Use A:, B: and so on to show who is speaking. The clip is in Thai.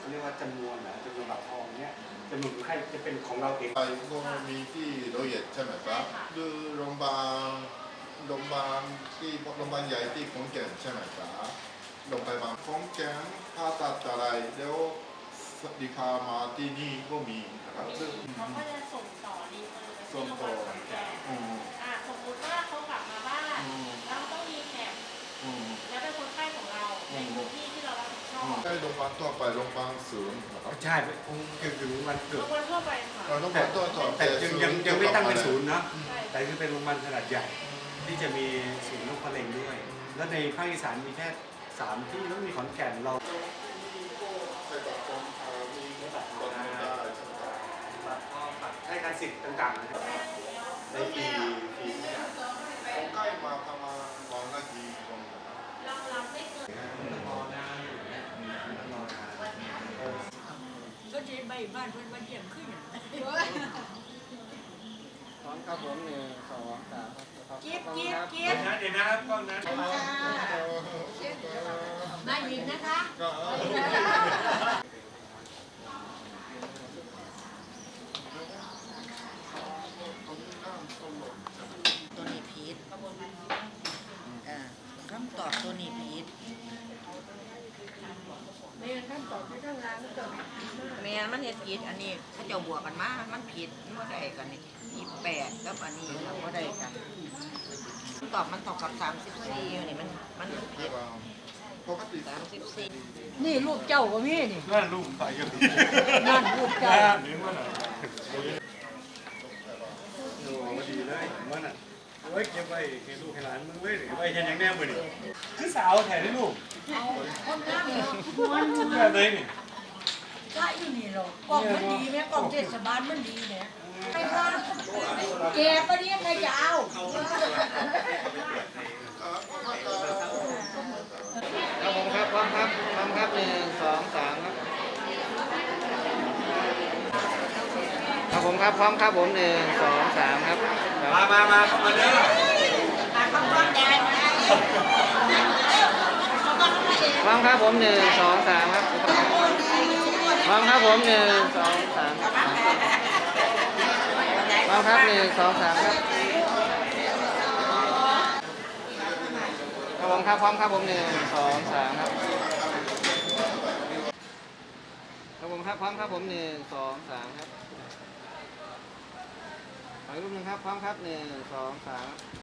A: เขาเรียกว่าจำนวนนะจำนวนบัตรทองเนี่ยจำนวนคนไข้จะเป็นของเราเอง
B: ก็มีที่โรเยตใช่ไหมครับคือโรงพยาบาลโรงพยาบาลใหญ่ที่ขอนแก่นใช่ไหมครับโรงพยาบาลขอนแก่นผ่าตัดอะไรเดี๋ยวดีพามาที่นี่ก็มีนะครับ
C: เขาก็จะส่งต่อรีเฟอร์ไปที่โรงพยาบาลขอนแก่นสมมติว่าเขากลับมาบ้านแล้วต้องมีแขกแล้วเป็นคนไข้ของเราในพื้นที่ที่เรารับผิดชอบ
B: ใช่โรงพยาบาลทั่วไปโรงพยาบาลศูนย์นะครับ
A: ใช่คงถึงวันเกิด
C: โรงพยาบาลทั่วไปค่ะ
B: โรงพยาบาลทั่วไป
A: แต่ยังไม่ตั้งเป็นศูนย์นะแต่คือเป็นโรงพยาบาลขนาดใหญ่ที่จะมีศูนย์โรคมะเร็งด้วยแล้วในภาคอีสานมีแค่3ที่แล้วมีขอนแก่นเราใช้การสิทธิ์ต่างๆนะครับในฟรี
B: คนไข้มาประมาณวันละกี่คน
C: เรารับไม่เกิน
A: รอนานอยู่เนี่ยรอนาน
D: ก็จะใบบ้านเพื่อนมาเยี่ยมขึ้น
E: พร้อมครับผม1 2 3ครับ
C: เจี๊ยบ
A: เดี๋ยวนะครับกล้องนั้น
D: มาหยิบนะคะตัวนี้พีชคำตอบตัวนี้พีชแม่คำตอบที่ข้างล่างก็แม่มันเฮ็ดผิดอันนี้ถ้าเจ้าบวกกันมามันผิดมันได้กันนี่28กับอันนี้เราก็ได้กันตอบมันตอบกับ34อยู่นี่มันผิด
B: ปกติ
D: 34นี่รูปเจ้าก็มีนี่
A: นั่นรูปใส่กัน
D: นั่นรูปเจ้า
A: หรือว่าน่ะโอ้มาดีเลยว่าน่ะไว้เก็บไว้ให้ลูกให้หลานมึงไว้หรือไว้ยังแน่มือนี่คือสาวแถได้ลูก
D: เอาคนงามเนาะ
A: แบบไหนนี่
D: ใช่อยู่นี่หรอกกล่องมันดีไหมกล่องเทศบาลมันดีเนี่ยใครว่าแกปะเนี่ยใครจะเอา
E: ครับผมครับพร้อมครับ1 2 3ครับครับผมครับพร้อมครับผม1 2 3ครับ
A: มาเข้ามาเด้อ
E: พร้อมครับผม1 2 3ครับพร้อมครับผม1 2 3พร้อมครับ1 2 3ครับครับผมครับพร้อมครับผม1 2 3ครับครับผมครับพร้อมครับผม1 2 3ครับขออีกรูปหนึ่งครับพร้อมครับ1 2 3